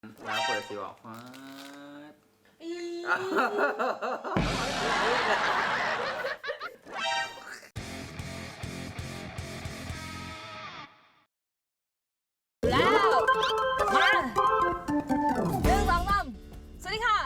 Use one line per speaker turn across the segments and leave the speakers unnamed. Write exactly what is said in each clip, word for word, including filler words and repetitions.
ร้านเปิดสิบอกว้า
แล้วมาหนึ่งสองสามสวัสดีค่ะ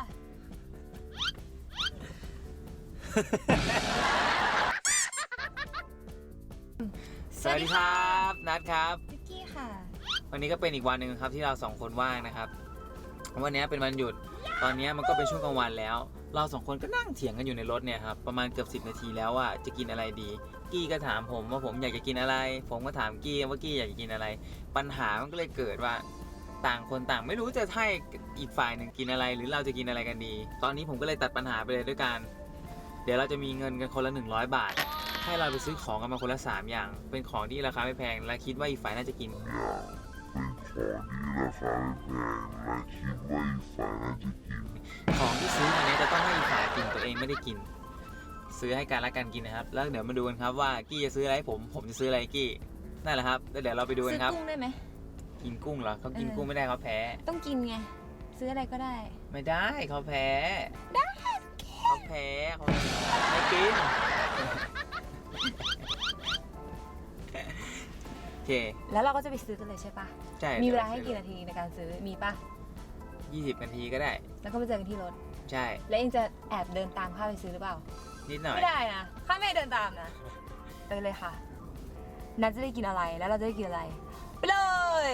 สวัสดีครับนัดครับ
วิกกี้ค่ะ
วันนี้ก็เป็นอีกวันหนึ่งครับที่เราสองคนว่างนะครับวันนี้เป็นวันหยุดตอนนี้มันก็เป็นช่วงกลางวันแล้วเราสองคนก็นั่งเถียงกันอยู่ในรถเนี่ยครับประมาณเกือบสิบนาทีแล้วว่าจะกินอะไรดีกี้ก็ถามผมว่าผมอยากจะกินอะไรผมก็ถามกี้ว่ากี้อยากจะกินอะไรปัญหามันก็เลยเกิดว่าต่างคนต่างไม่รู้จะให้อีกฝ่ายหนึ่งกินอะไรหรือเราจะกินอะไรกันดีตอนนี้ผมก็เลยตัดปัญหาไปเลยด้วยกันเดี๋ยวเราจะมีเงินกันคนละหนึ่งร้อยบาทให้เราไปซื้อของกันมาคนละสามอย่างเป็นของที่ราคาไม่แพงและคิดว่าอีกฝ่ายน่าจะกินของที่ซื้อมาเนี้ยจะต้องให้อีกฝ่ายกินตัวเองไม่ได้กินซื้อให้กันและกันกินนะครับแล้วเดี๋ยวมาดูกันครับว่ากี้จะซื้ออะไรให้ผมผมจะซื้ออะไรให้กี้นั่นแหละครับแล้วเดี๋ยวเราไปดูกันครับ
ซื้อกุ้งได้ไหม
กินกุ้งเหรอเขากินกุ้งไม่ได้เขาแพ้
ต้องกินไงซื้ออะไรก็ได้
ไม่ได้เขาแพ้
ได้
เขาแพ้เขาไม่กินโอเค
แล้วเราก็จะไปซื้อกันเลยใช่ปะ
ใช่
มีเวลาให้กี่นาทีในการซื้อมีปะ
ยี่สิบนาทีก็ได้
แล้วก็ไปเจอกันที่รถ
ใช่
แล้วเองจะแอบเดินตามข้าไปซื้อหรือเปล่า
นิดหน่อย
ไม่ได้นะข้าไม่เดินตามนะไปเลยค่ะนัดจะได้กินอะไรแล้วเราจะได้กินอะไรไปเลย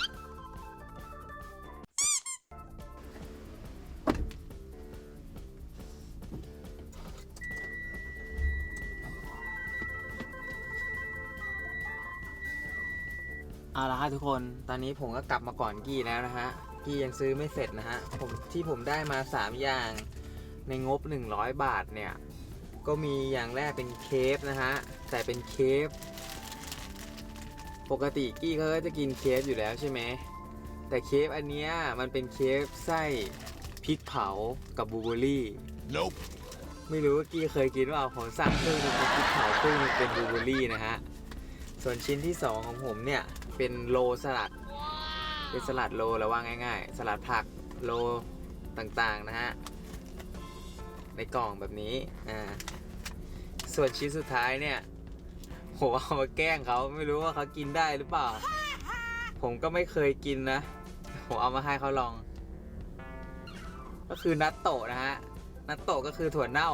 เอาละครับทุกคนตอนนี้ผมก็กลับมาก่อนกี้แล้วนะฮะกี้ยังซื้อไม่เสร็จนะฮะผมที่ผมได้มาสามอย่างในงบหนึ่งร้อยบาทเนี่ยก็มีอย่างแรกเป็นเคฟนะฮะแต่เป็นเคฟปกติกี้เขาก็จะกินเคฟอยู่แล้วใช่ไหมแต่เคฟอันเนี้ยมันเป็นเคฟไส้พริกเผากับบลูเบอร์รี่ nope. ไม่รู้ว่ากี้เคยกินว่าผมสั่งครึ่งนึงเป็นพริกเผาครึ่งนึงเป็นบลูเบอร์รี่นะฮะส่วนชิ้นที่สองของผมเนี่ยเป็นโลสลัด wow. เป็นสลัดโลแล้วว่าง่ายๆสลัดผักโลต่างๆนะฮะในกล่องแบบนี้อ่าส่วนชิ้นสุดท้ายเนี่ยผมเอามาแกล้งเขาไม่รู้ว่าเขากินได้หรือเปล่าผมก็ไม่เคยกินนะผมเอามาให้เขาลองก็คือนัตโตะนะฮะนัตโตะก็คือถั่วเน่า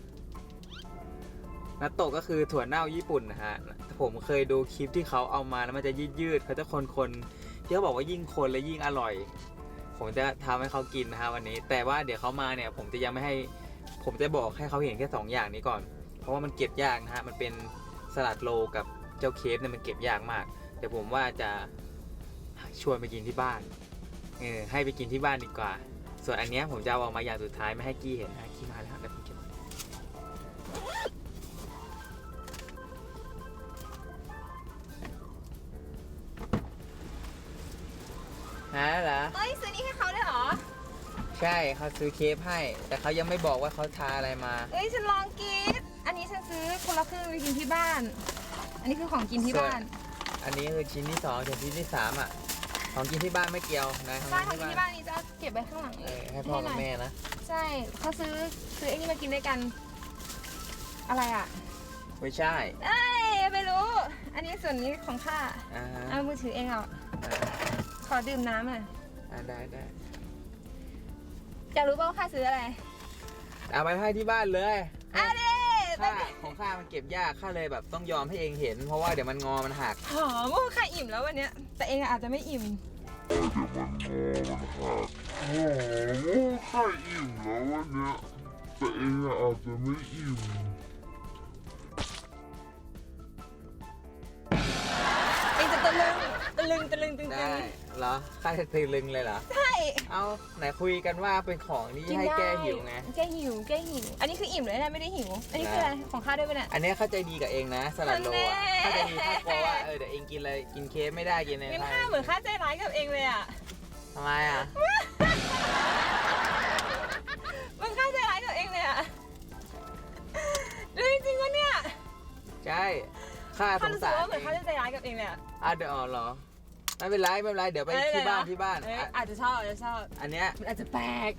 นัตโตะก็คือถั่วเน่าญี่ปุ่นนะฮะผมเคยดูคลิปที่เขาเอามาแล้วมันจะยืดยืดเขาจะคนๆที่เขาบอกว่ายิ่งคนและยิ่งอร่อยผมจะทำให้เขากินนะฮะวันนี้แต่ว่าเดี๋ยวเขามาเนี่ยผมจะยังไม่ให้ผมจะบอกให้เขาเห็นแค่สองอย่างนี้ก่อนเพราะว่ามันเก็บยากนะฮะมันเป็นสลัดโลกับเจ้าเคฟเนี่ยมันเก็บยากมากเดี๋ยวผมว่าจะชวนไปกินที่บ้านเออให้ไปกินที่บ้านดีกว่าส่วนอันนี้ผมจะเอาออกมาอย่างสุดท้ายไม่ให้กี้เห็นนะกี้มาแล้วเดี๋ยวผมเก็บฮะเหรอ
เอ้ยซื้อนี่ให้เขาได้เหรอ
ใช่เขาซื้อเคฟให้แต่เขายังไม่บอกว่าเขาทาอะไรมา
เอ้ยฉันลองกินอันนี้ฉันซื้อคนละครึ่งไปกินที่บ้านอันนี้คือของกินที่บ้าน
อันนี้คือชิ้นที่สองส่วนชิ้นที่สามอ่ะของกินที่บ้านไม่เกี่ยวนะ
ใช่ของกินที่บ้านนี้จะเก็บไว้ข้างหลัง
เลยให้พ่อกับแม่นะ
ใช่เขาซื้อซื้อไอ้นี่มากินด้วยกันอะไรอ่ะ
ไม่ใช่
เอ้ยไม่รู้อันนี้ส่วนนี้ของข้าเอามือถือเองเอาขอดื่มน้ำหน่อย
ได้ได้
อยากรู้ป่าวว่าข้าซื้ออะไร
เอาไปให้ที่บ้านเลย
อ่ะดิ
ข้าของข้ามันเก็บยากข้าเลยแบบต้องยอมให้เองเห็นเพราะว่าเดี๋ยวมันงอมันหัก
หอมว่าข้าอิ่มแล้ววันเนี้ยแต่เองอาจจะไม่อิ่ม
เดี๋ยวมันงอมันหักโอ้โหข้าอิ่มแล้ววันเนี้ยแต่เองอาจจะไม่อิ่ม
เองจะตะลึงตะลึงตะลึงตึง
ได้เหรอข้าจะตะลึงเลยเหรอ
ใช่
เอาไหนคุยกันว่าเป็นของที่ให้แก้หิวไง
แก้หิวแก้หิวอันนี้คืออิ่มเลยนะไม่ได้หิวอันนี้คืออะไรของข้าด้วยป่ะเนี่ย
อันนี้เข้าใจดีกับเองนะสลัดโลอ่ะเข้าใจดีข้ากลัวว่าเออเดี๋ยวเองกินอะไรกินเคฟไม่ได้กินอะไร
งั้นข้าเหมือนข้าใจร้ายกับเองเลยอ่ะ
ทำไมอ่ะ
มันข้าใจร้ายกับเองเลยอ่ะจริงๆวะเนี่ย
ใช่ข้าสงสาร
ว่าเหมือนข้าจะใจร้ายกับเองเลยอ่ะ
อ่ะเดี๋ยวอ๋อเหรอไม่เป็นไรไม่เป็นไรเดี๋ยวไปที่บ้านที่บ้าน
เอ้ย
อ่ะ
อาจจะชอบอาจจะชอบ
อันเนี้ย
มันอาจจะแปลก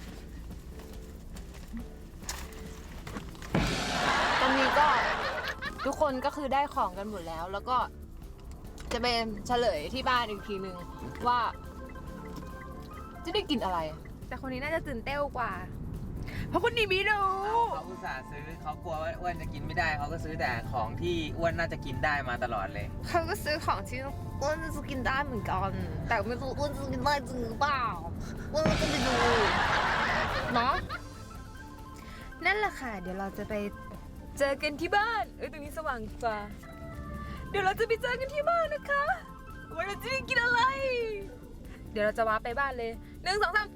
ตอนนี้ก็ทุกคนก็คือได้ของกันหมดแล้ว แล้วก็จะเป็นเฉลยที่บ้านอีกทีนึงว่า จะได้กินอะไร แต่คนนี้น่าจะตื่นเต้นกว่า เพราะคนนี้ไม่รู้
เขาอุตส่าห์ซื้อเขากลัวว่าอ้วนจะกินไม่ได้เขาก็ซื้อแต่ของที่อ้วนน่าจะกินได้มาตลอดเลย
เขาก็ซื้อของที่อ้วนจะกินได้เหมือนกัน แต่ไม่รู้อ้วนจะกินได้จริงหรือเปล่าอ้วนก็จะไปดูเนาะนั่นแหละค่ะ เดี๋ยวเราจะไปเจอกันที่บ้าน เอ้ยตรงนี้สว่างกว่าเดี๋ยวเราจะไปเจอกันที่บ้านนะคะว่าเราจะได้กินอะไร เดี๋ยวเราจะว้าไปบ้านเลยหนึ่งสองสาม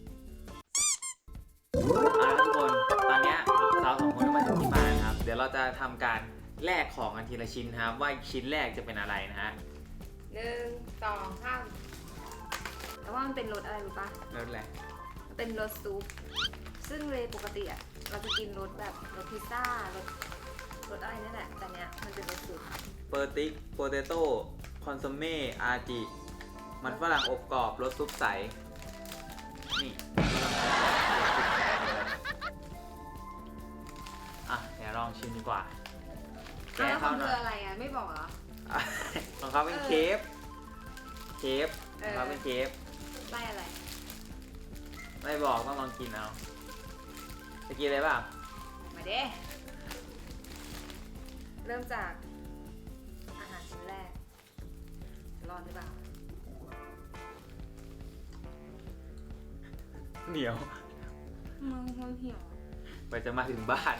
เอาละทุกคนตอนเนี้ยเราสองคนก็มาถึงที่บ้านครับ เดี๋ยวเราจะทำการแลกของกันทีละชิ้นครับ ว่าชิ้นแรกจะเป็นอะไรนะฮะ
หนึ่งสองสามแต่ว่ามันเป็นรสอะไรรู้ปะ
รสอะไร
มันเป็นรสซุปซึ่งเลยปกติอะเราจะกินรสแบบรสพิซซ่ารสรสอะไรนี่แหละแต่เนี้ยมันเป็นรสซุป
เปอร์ติกโปเตโต้คอนซัมเม่อาร์จิมันฝรั่งอบกรอบรสซุปใสนี่อ่ะเดี๋ยวลองชิมดีกว่า
อ้าวแล้วข
เข้า
อง
ห
เธ
น่อ
อย อะไรอ่ะไม่บอกเหรอ
อ่ะของเขาเป็นเคฟเคฟ
เอ
ขอ
อ
งเขาเป็นเคฟ
ไล่อะไร
ไม่บอกต้องลองกินเอาจะกินอะไรบ้าง
มาเด้เริ่มจากอาหารชิ้นแรกรอดหรือเปล่า
เหนียว
มึงมันเหี่ยว
ไปจะมาถึงบ้าน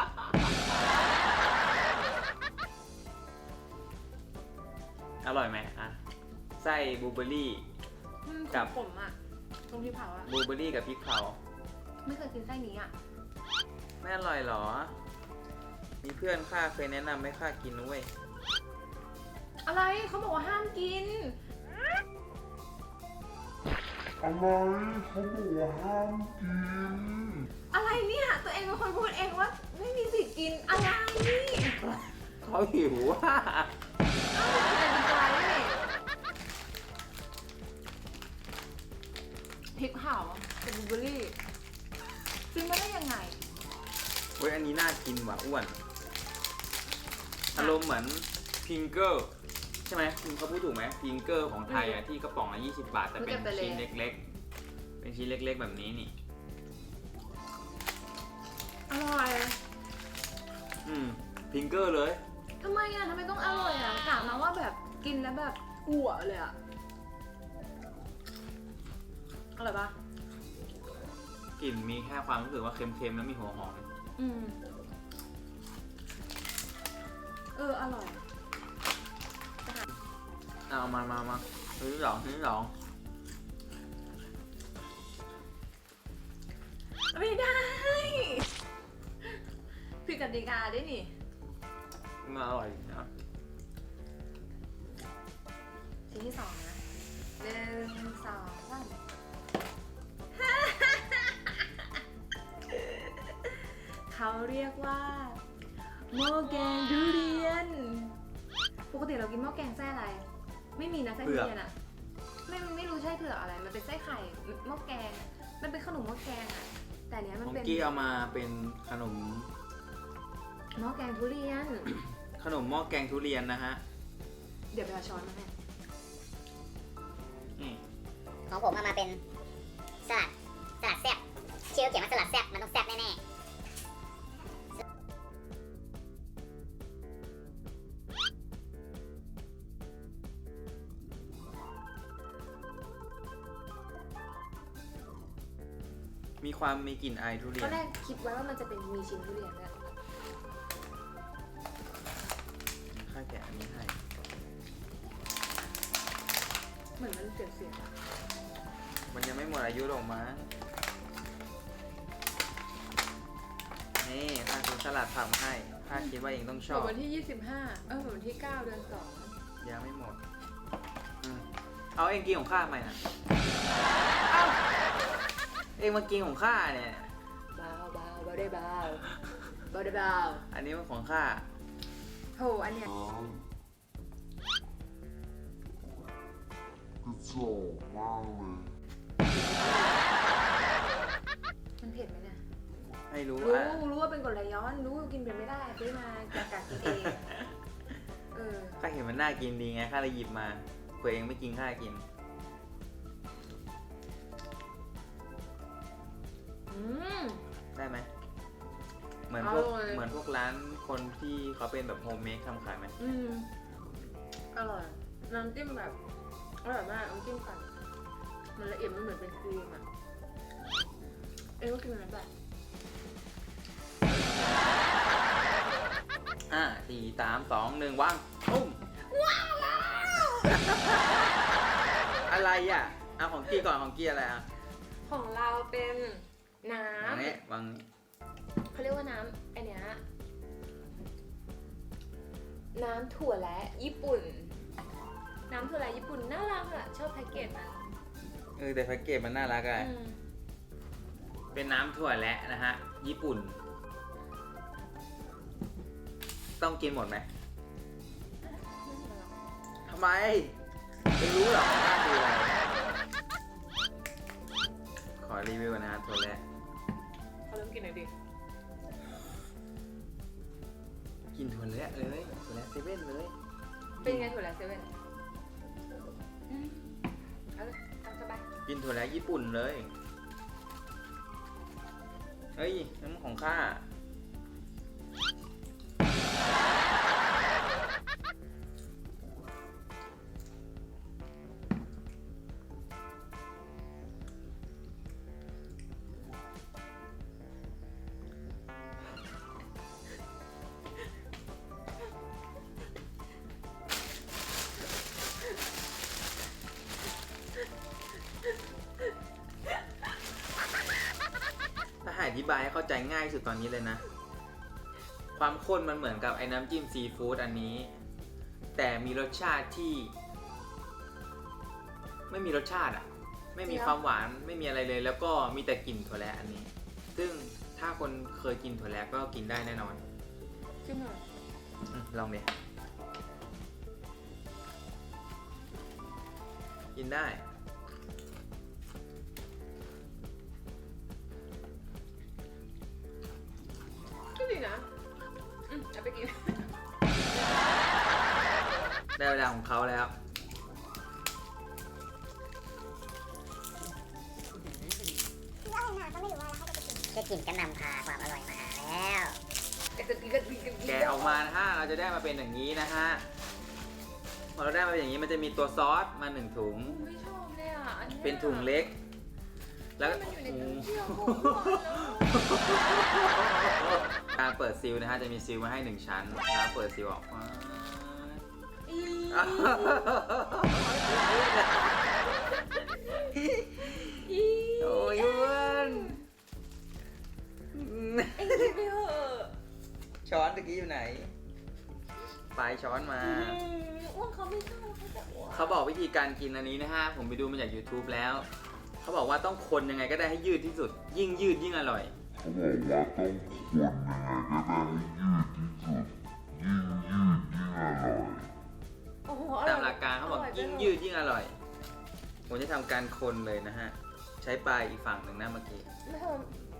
อร่อยไหมอ่ะไส้บลูเบอร์รี่ กับ
ผมอ่ะตรงที่เผาอ่ะ
บลูเบอร์รี่กับพริกเผา
ไม่เคยกินไส้นี้อ่ะ
ไม่อร่อยเหรอ มีเพื่อนข้าเคยแนะนำให้ข้ากินนะเว้ย
อะไรเขาบอกว่าห้ามกิน
อะไรเขาบอกว่าห้ามกิน
อะไรเนี่ยตัวเองเป็นคนพูดเองว่าไม่มีสิทธิ์กินอะไรนี่
เขาหิวว่า
เอ้าแต่ดีใจเลยพริกเผากับบลูเบอร์รี่ซื้อมาได้ยังไง
เว้ยอันนี้น่ากินว่ะอ้วน อารมณ์เหมือนพิงเกอร์ใช่ไหมคุณเขาพูดถูกไหมพิงเกอร์ของไทยอ่ะที่กระป๋องละยี่สิบบาทแต่เป็นชิ้นเล็กๆ เป็นชิ้นเล็กๆแบบนี้นี่
อร่อย
อืมพิงเกอร์เลย
ทำไมอ่ะทำไมต้องอร่อยอ่ะถามมาว่าแบบกินแล้วแบบอ้วกเลยอ่ะอร่อยปะ
กลิ่นมีแค่ความรู้สึกว่าเค็มๆแล้วมีหัวหอม
อืมเอออร่อย
เอามามามาชิ้นที่สองชิ้นที่สอง
ไม่ได้ผิดกติกาด้วยนี่
มันอร่อยนะ
ชิ้นที่สองนะหนึ่งสองสามเขาเรียกว่าหม้อแกงทุเรียน ปกติเรากินหม้อแกงไส้อะไร ไม่มีนะไส้ทุเรียนอะไม่ไม่รู้ใช่เผือกอะไร มันเป็นไส้ไข่หม้อแกง มันเป็นขนมหม้อแกงอะแต่เนี้ยมัน
ของ
เป็น
กี้เอามาเป็นขนม
หม้อแกงทุเรียน
ขนมหม้อแกงทุเรียนนะฮะ
เดี๋ยวไปเอาช้อนมาให้
นี่
ของผมเอามาเป็นสลัดสลัดแซ่บชื่อเขียนว่าสลัดแซ่บมันต้องแซ่บแน่ๆ
มีความมีกลิ่นไอายทุเรี
ต
ย
อน นแรกคิดไว้ว่ามันจะเป็นมีชิ้นทุเรียนด้วย
ข้าแกะอันนี้ให้
เหมือนมันเสียเสียงอะ
มันยังไม่หมดอายุหรอกมั้ง นี่ข้าซื้อสลัดผักมาให้ข้าคิดว่าเองต้องช
เห
อ
มือบ นวันที่ยี่สิบห้าเออเหมือนวันที่เก้าเดือนสอง
ยังไม่หมดอืมเอาเองกินของข้าไหมนะเองมากินของข้าเนี่ย
เบาเบาเบาได้เบาเบาได้เบา
อันนี้มันของข้า
โหอันเนี้ย
อ๋อ
กระจอกมากเลย
มันเผ็ดไหมเนี่ย
ไม่รู้
รู้
อ่ะ
รู้ว่าเป็นกรดไหลย้อน รู้ว่ากินเผ็ดไม่ได้ซื้อมาจากกากินเองเออ
ข้าเห็นมันน่ากินดีไงข้าเลยหยิบมาเผื่อเองไม่กินข้ากิน
อืม
ได้ไหมเหมือนพวก
อร่อย
เหมือนพวกร้านคนที่เขาเป็นแบบโฮมเมดทำขายไหม
อืมอร่อย น้ำจิ้มแบบอร่อยมากน้ำจิ้มปั่นมันละเอียดมันเหมือนเป็นครีมอ่ะ เอ้ยก็กินอะไรแบบ
ห้าสี่สามสองหนึ่งวางปุ้มว้าวอะไรอ่ะเอาของกี้ก่อนของกี้อะไรอ่ะ
ของเราเป็นน้
วางนี้วางนี้
ำเขาเรียกว่าน้ำไอเนี้ยน้ำถั่วและญี่ปุ่น น้ำถั่วและญี่ปุ่นน่ารักอะชอบแพ็กเกจมัน
เออแต่แพ็กเกจมันน่ารักอะ
อืม
เป็นน้ำถั่วและนะฮะญี่ปุ่น ต้องกินหมดไหมทำไมไม่รู้หรอกว่าคืออะไรขอรีวิวนะฮะถั่วและ
เขาเริ่มกินหน่อยดิ
กินถั่วและเลยถั่วและเซเว่นเลย
เป็นไงถั่วและเซเว่นอืมเอาเลยตามสบาย
กินถั่วและญี่ปุ่นเลยเฮ้ยน้ำของข้าถ้าให้อธิบายให้เข้าใจง่ายที่สุดตอนนี้เลยนะ ความข้นมันเหมือนกับไอ้น้ำจิ้มซีฟู้ดอันนี้ แต่มีรสชาติที่ ไม่มีรสชาติอ่ะ ไม่มีความหวานไม่มีอะไรเลย แล้วก็มีแต่กลิ่นถั่วแระอันนี้ ซึ่งถ้าคนเคยกินถั่วแระก็กินได้แน่นอน
จิ้มหน่อย
อืมลองดิกินได้
ก็ดีนะอืมเอาไปกิน
ได้เวลาของเขาแล้ว
แค่กลิ่นก็นำพาความอร่อยมาแล้ว
กระติกกระติกกระติก
แกะออกมานะฮะเราจะได้มาเป็นอย่างนี้นะฮะพอเราได้มาเป็นอย่างนี้มันจะมีตัวซอสมาหนึ่งถุง
ไม่ชอบเลยอ่ะอันนี้ย
เป็นถุงเล็ก แล้ว
มันอยู่ในถุงเที่ยวหมดแล้ว
การเปิดซิลนะฮะจะมีซิลมาให้หนึ่งชั้นแล้วเปิดซิลออกมา
อี อี
โอ้ยอ้วน
เอ็งกินไปเถอะ
ช้อนตะกี้อยู่ไหนปลายช้อนมา
อืมอ้วนเขาไม่ชอบเขาจะอ้วน
เขาบอกวิธีการกินอันนี้นะฮะผมไปดูมาจาก YouTube แล้ว เขาบอกว่าต้องคนยังไงก็ได้ให้ยืดที่สุด ยิ่งยืดยิ่งอร่อย
เขาบอกว่าต้องคนยังไงก็ได้ให้ยืดที่สุด ยิ่งยืดยิ่งอร่อย
โอ้โห
ตามหลักการเขาบอก
ร่ไป
ยิ่ง
ถอะ
ยืดยิ่งอร่อย ผมจะทำการคนเลยนะฮะ ใช้ปลายอีกฝั่งหนึ่งนะเมื่อกี้
ไม่ทำ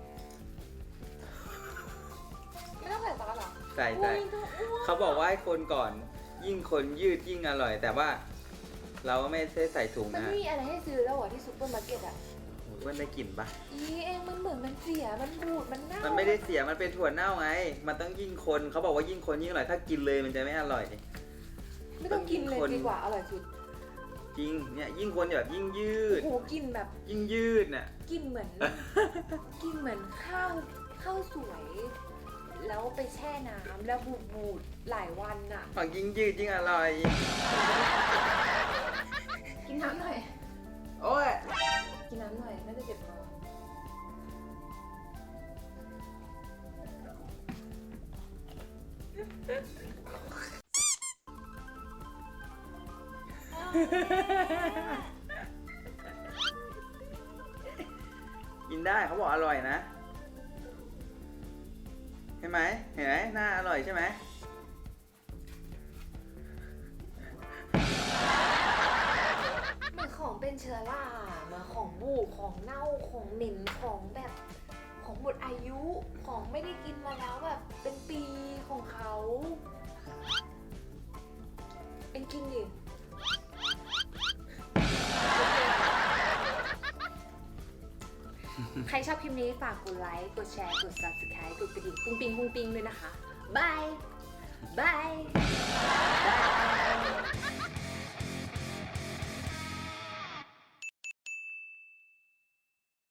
ไม่ต้องใส่ซอสเหรอ
ใส่ใส่
อุ๊ยต้องอ้วน
เขาบอกว่าให้คนก่อน ยิ่งคนยืดยิ่งอร่อย แต่ว่าเราก็ไม่ได้ใส่ถุง
มัน
นะ
ไม่
ฮะ
มีอะไรให้ซื้อแล้วเหรอที่ซูเปอร์มาร์เก็ตอ่ะ
โอ้ยมันได้กลิ่นปะ
อีเองมันเหมือนมันเสีย มันบูด มันเน่า
มันไม่ได้เสียมันเป็นถั่วเน่าไง มันต้องยิ่งคนเขาบอกว่ายิ่งคนยิ่งอร่อยถ้ากินเลยมันจะไม่อร่อย
ไม่ต้องกินเลยดีกว่า อร่อยสุด
จริงเนี่ยยิ่งคนแบบยิ่งยื
โอ้
ด
โหกลินแบบ
ยิ่งยืดน่ะ
กลินเหมือน กลินเหมือนข้าวข้าวสวย แล้วไปแช่น้ำแล้วบูดบูดๆหลายวันน่ะ
ฝั่งยิ่งยืดยิ่งอร่อย
กินน้ำหน่อย
โอ้ย
กินน้ำหน่อย น่าจะเจ็บคอ
กินได้เขาบอกอร่อยนะเห็นไหมเห็นไหมหน้าอร่อยใช่ไหม
เหมือนเขาเป็นเชื้อรามาของบูดของเน่าของเหม็นของแบบของหมดอายุของไม่ได้กินมาแล้วแบบเป็นปีของเขาเอ็นกินดิใครชอบคลิปนี้ฝากกดไลค์ กดแชร์ กด ซับสไครบ์ กดกระดิ่งปุ้งปิงปุ้งปิงด้วยนะคะ บาย บาย